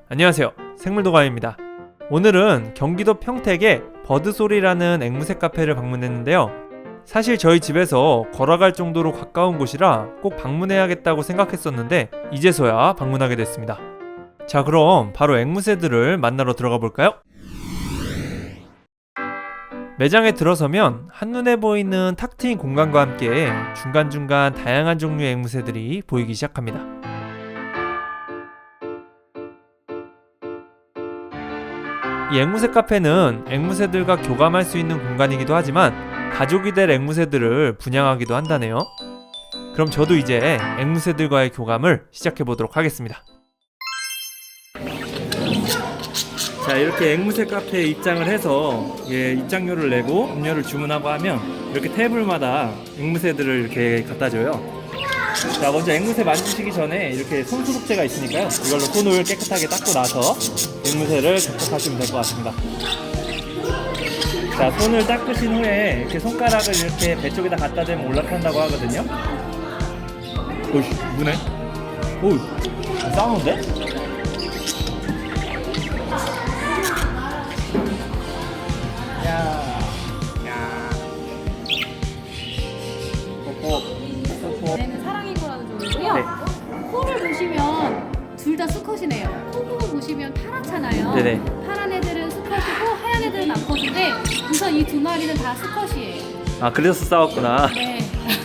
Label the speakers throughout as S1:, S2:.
S1: 안녕하세요, 생물도가입니다. 오늘은 경기도 평택의 버드소리라는 앵무새 카페를 방문했는데요. 사실 저희 집에서 걸어갈 정도로 가까운 곳이라 꼭 방문해야겠다고 생각했었는데 이제서야 방문하게 됐습니다. 자, 그럼 바로 앵무새들을 만나러 들어가 볼까요? 매장에 들어서면 한눈에 보이는 탁 트인 공간과 함께 중간중간 다양한 종류의 앵무새들이 보이기 시작합니다. 이 앵무새 카페는 앵무새들과 교감할 수 있는 공간이기도 하지만 가족이 될 앵무새들을 분양하기도 한다네요. 그럼 저도 이제 앵무새들과의 교감을 시작해 보도록 하겠습니다. 자, 이렇게 앵무새 카페에 입장을 해서 입장료를 내고 음료를 주문하고 하면 이렇게 테이블마다 앵무새들을 이렇게 갖다 줘요. 자, 먼저 앵무새 만지시기 전에 이렇게 손소독제가 있으니까요, 이걸로 손을 깨끗하게 닦고 나서 앵무새를 접촉하시면 될 것 같습니다. 자, 손을 닦으신 후에 이렇게 손가락을 이렇게 배 쪽에다 갖다 대면 올라탄다고 하거든요. 오이씨, 무네? 오이, 싸우는데?
S2: 얘는 사랑이고라는 종이고요.
S1: 네.
S2: 코를 보시면 둘 다 수컷이네요. 코 부분 보시면 파랗잖아요.
S1: 네네.
S2: 파란 애들은 수컷이고 하얀 애들은 암컷인데 우선 이 두 마리는 다 수컷이에요.
S1: 아, 그래서 싸웠구나.
S2: 네.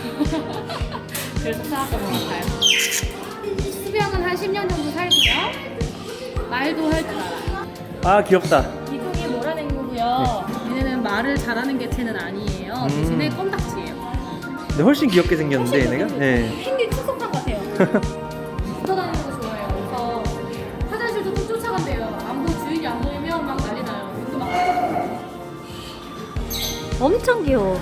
S2: 그래서 싸웠던 것 같아요. 수명은 한 10년 정도 살고요. 말도 할 줄 알아요.
S1: 아, 귀엽다.
S2: 이 종이 노란 앵무고요. 얘네는 말을 잘하는 개체는 아니에요. 대신에 껌딱지예요.
S1: 근데 훨씬 귀엽게 생겼는데 얘네가? 네.
S2: 펭귄 투석판 같아요. 붙어다니는 거 좋아해요. 그래서 화장실도 꼭 쫓아간대요. 주인이 안 보이면 막 난리 나요. 그래서 막
S3: 엄청 귀여워.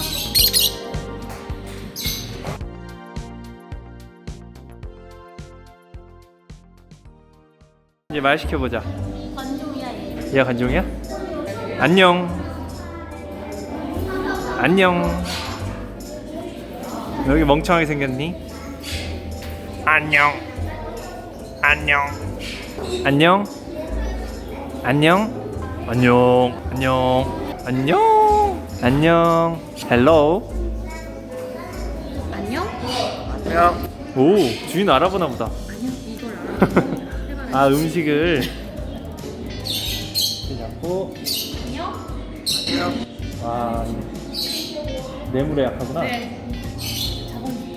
S1: 이제 말 시켜보자.
S2: 관종이야 얘.
S1: 얘가 관종이야? 안녕. 안녕. 여기 멍청하게 생겼니? 안녕. 안녕. 안녕. 안녕. 안녕. 안녕. 안녕. 안녕. 헬로.
S2: 안녕?
S1: 안녕. 오, 주인 알아보나 보다.
S2: 안녕 이걸 알아.
S1: 아, 음식을 잡고.
S2: 안녕?
S1: 안녕. 와, 뇌물에 약하구나.
S2: 네. 자본주의.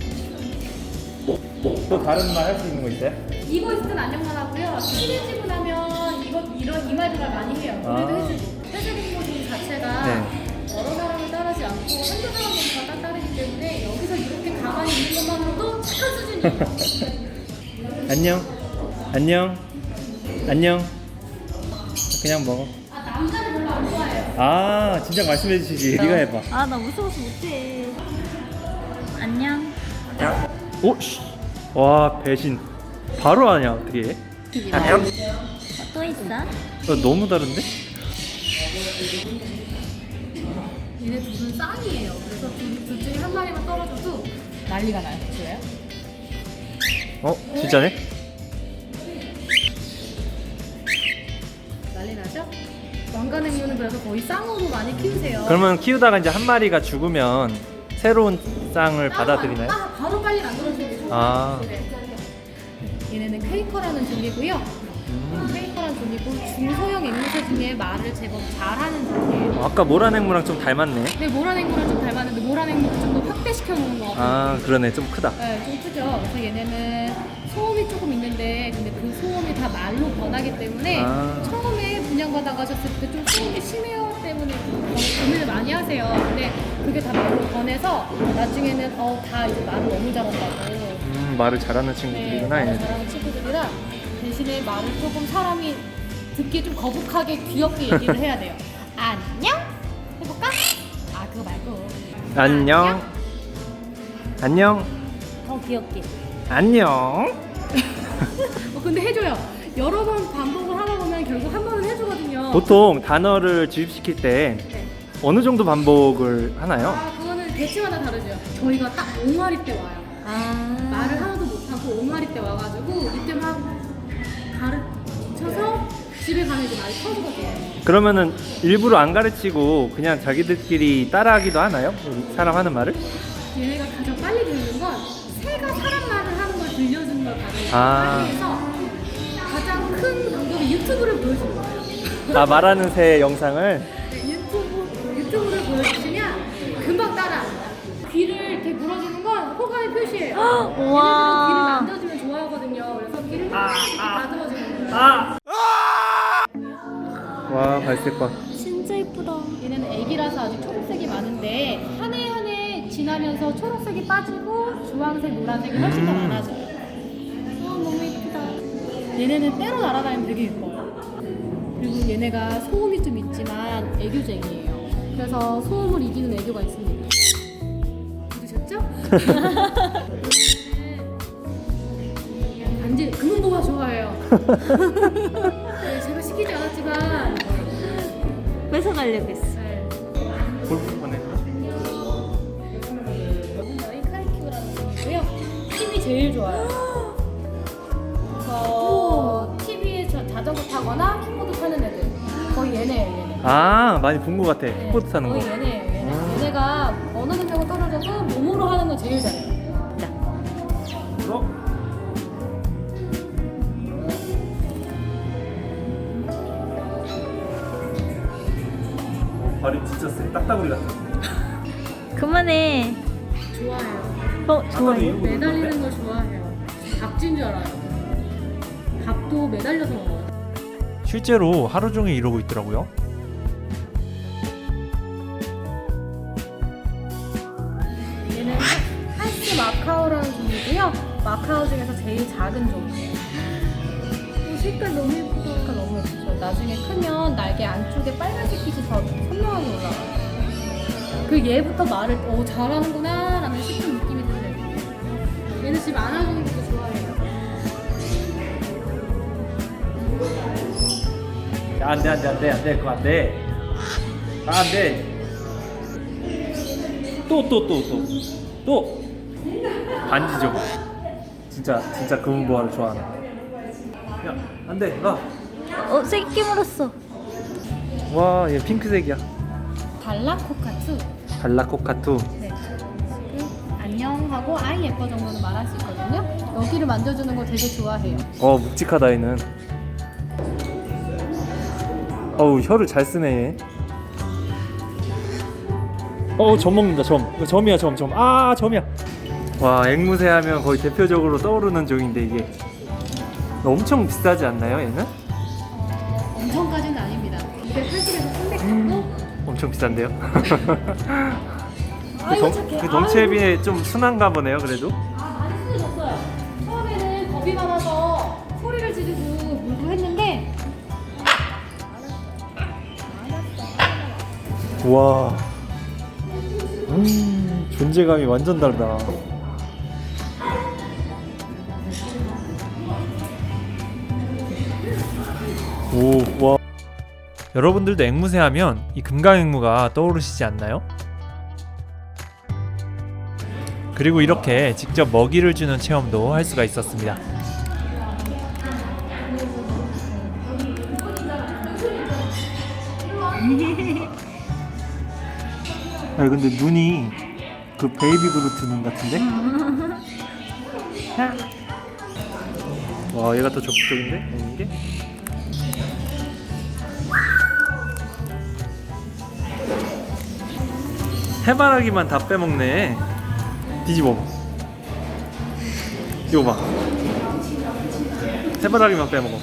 S1: 또 다른 말 할 수 있는 거 있어요?
S2: 이거 있을 땐 안녕만 하고요. 친해지고 나면 이런 말 많이 해요. 우리도 해주고. 회색앵무새 자체가 여러 사람을 따르지 않고 한두 사람만 다 따르기 때문에 여기서 이렇게 가만히 있는 것만으로도 착한 수준이에요.
S1: 안녕. 안녕. 안녕. 그냥 먹어.
S2: 남자는 별로 안 좋아해요.
S1: 아, 진작 말씀해 주시지. 네가 해봐.
S3: 아, 나 무서워서 못해. 안녕.
S1: 오, 씨. 와, 배신. 바로 하냐, 어떻게 해? 안녕.
S3: 또 있어?
S1: 너무 다른데?
S2: 얘네 둘은 쌍이에요. 그래서 둘 중에 한 마리만 떨어져도 난리가 나요. 그래요?
S1: 진짜네?
S2: 난리 나죠? 왕관앵무는 그래서 거의 쌍으로 많이 키우세요.
S1: 그러면 키우다가 이제 한 마리가 죽으면 새로운 쌍을 받아들이나요?
S2: 바로 빨리 만들어주는
S1: 아.
S2: 얘네는 퀘이커라는 종이고요. 퀘이커라는 종이고 중소형 앵무새 중에 말을 제법 잘하는 종이에요.
S1: 아까 모란앵무랑 좀 닮았네.
S2: 근데 모란앵무랑 좀 닮았는데 모란앵무를 좀 더 확대시켜 놓은 것 같아요.
S1: 아, 그러네. 좀 크다.
S2: 네, 좀 크죠. 그래서 얘네는 소음이 조금 있는데 근데 그 소음이 다 말로 변하기 때문에 처음에 분양받아 가셨을 때 좀 소음이 심해요 때문에 고민을 많이 하세요. 근데 그게 다 말로 변해서 나중에는 다 이제 말을 너무 잘한다고.
S1: 말을 잘하는
S2: 네,
S1: 친구들이구나.
S2: 말을
S1: 얘네들.
S2: 잘하는 친구들이라 대신에 말을 조금 사람이 듣기에 좀 거북하게 귀엽게 얘기를 해야 돼요. 안녕? 해볼까? 아, 그거 말고.
S1: 안녕. 안녕.
S3: 더 귀엽게.
S1: 안녕.
S2: 근데 해줘요. 여러 번 반복을 하다 보면 결국 한 번은 해주거든요.
S1: 보통 단어를 주입시킬 때
S2: 네.
S1: 어느 정도 반복을 하나요?
S2: 그거는 개체마다 다르죠. 저희가 딱 5마리 때 와요.
S3: 아.
S2: 말을 하나도 못하고 5마리 때 와가지고 이때 막 집에 가면 이제 많이 퍼주거든요.
S1: 그러면은 일부러 안 가르치고 그냥 자기들끼리 따라하기도 하나요? 사람 하는 말을?
S2: 얘네가 가장 빨리 들리는 건 새가 사람 말을 하는 걸 들려주는 걸 가장
S1: 아.
S2: 빨리 해서 가장 큰 방법이 유튜브를 보여주는 거예요.
S1: 아, 말하는 새 영상을?
S2: 네, 유튜브를 보여주시면 금방 따라합니다. 귀를 이렇게 물어주는 건 호감의 표시예요. 얘네들은 귀를
S3: 우와.
S2: 만져주면 좋아하거든요. 그래서 귀를 이렇게 다듬어주는 거예요.
S1: 와, 발색과.
S3: 진짜 예쁘다.
S2: 얘네는 애기라서 아직 초록색이 많은데 한 해 한 해 지나면서 초록색이 빠지고 주황색, 노란색이 훨씬 더 많아져요. 너무 예쁘다. 얘네는 때로 날아다니면 되게 예뻐요. 그리고 얘네가 소음이 좀 있지만 애교쟁이에요. 그래서 소음을 이기는 애교가 있습니다. 들으셨죠? 단지 금은보가 좋아해요. 네, 제가 시키지 않았지만
S3: 뺏어가려고 했어.
S2: 네.
S1: 골프 보냈어?
S2: 저희 카이큐라는 종이고요. 힘이 제일 좋아요. 그래서 TV에 자전거 타거나 킥보드 타는 애들 거의 얘네예요. 얘네.
S1: 아, 많이 본 것 같아.
S2: 네,
S1: 스포츠 타는 거.
S2: 거의 얘네예요. 얘네. 얘네가 어느 능력은 떨어져도 몸으로 하는 건 제일 잘해요.
S1: 어? 발이 진짜 세. 딱따구리 같아.
S3: 그만해.
S2: 좋아해요.
S3: 좋아해.
S2: 매달리는 걸 좋아해요. 박쥐인 줄 알아요. 밥도 매달려서 먹어요.
S1: 실제로 하루 종일 이러고 있더라고요.
S2: 얘는 한스 마카오라는 종이고요. 마카오 중에서 제일 작은 종이에요. 색깔 너무 예쁘다. 색깔 너무 예쁘죠. 나중에 크면 날개 안쪽에 빨간색 빛이 더 선명하게 올라와요. 그 얘부터 말을 잘하는구나 라는 싶은 느낌이 들어요. 얘는 집 안아주는 것도 좋아해요.
S1: 안돼 그거 안돼. 아, 안돼. 또 반지 저거. 진짜 금은보화를 좋아하나. 야, 안돼. 가.
S3: 새끼 물었어.
S1: 와, 얘 핑크색이야.
S2: 달라코카투.
S1: 달라코카투.
S2: 네. 지금 안녕하고 아이 예뻐 정도는 말할 수 있거든요. 여기를 만져주는 거 되게 좋아해요.
S1: 묵직하다 얘는. 어우, 혀를 잘 쓰네 얘. 점 먹는다. 이거 점이야. 아, 점이야. 와, 앵무새 하면 거의 대표적으로 떠오르는 종인데 이게 엄청 비싸지 않나요 얘는?
S2: 엄청까지는 아닙니다. 280에서 300 정도?
S1: 엄청 비싼데요?
S2: 아이고 착해.
S1: 그 덩치에 비해 좀 순한가 보네요 그래도.
S2: 많이 쓰해졌어요. 처음에는 겁이 많아서 소리를 지르고 물고 했는데
S1: 와, 존재감이 완전 다르다. 오, 와. 여러분들도 앵무새 하면 이 금강앵무가 떠오르시지 않나요? 그리고 이렇게 직접 먹이를 주는 체험도 할 수가 있었습니다. 아니 근데 눈이 그 베이비 그루트 눈 같은데? 와, 얘가 더 적극적인데? 먹는 게? 해바라기만 다 빼먹네. 뒤집어. 이거 봐. 해바라기만 빼먹어.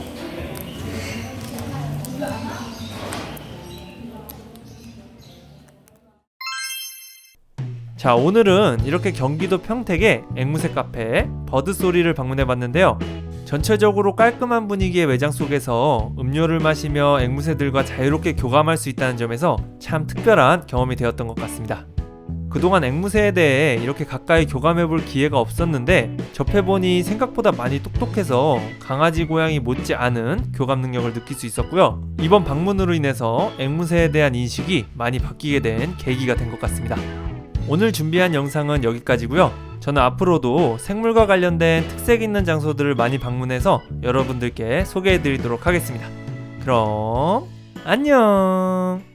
S1: 자, 오늘은 이렇게 경기도 평택의 앵무새 카페 버드소리를 방문해봤는데요. 전체적으로 깔끔한 분위기의 매장 속에서 음료를 마시며 앵무새들과 자유롭게 교감할 수 있다는 점에서 참 특별한 경험이 되었던 것 같습니다. 그동안 앵무새에 대해 이렇게 가까이 교감해볼 기회가 없었는데 접해보니 생각보다 많이 똑똑해서 강아지, 고양이 못지않은 교감 능력을 느낄 수 있었고요. 이번 방문으로 인해서 앵무새에 대한 인식이 많이 바뀌게 된 계기가 된 것 같습니다. 오늘 준비한 영상은 여기까지고요. 저는 앞으로도 생물과 관련된 특색 있는 장소들을 많이 방문해서 여러분들께 소개해드리도록 하겠습니다. 그럼 안녕.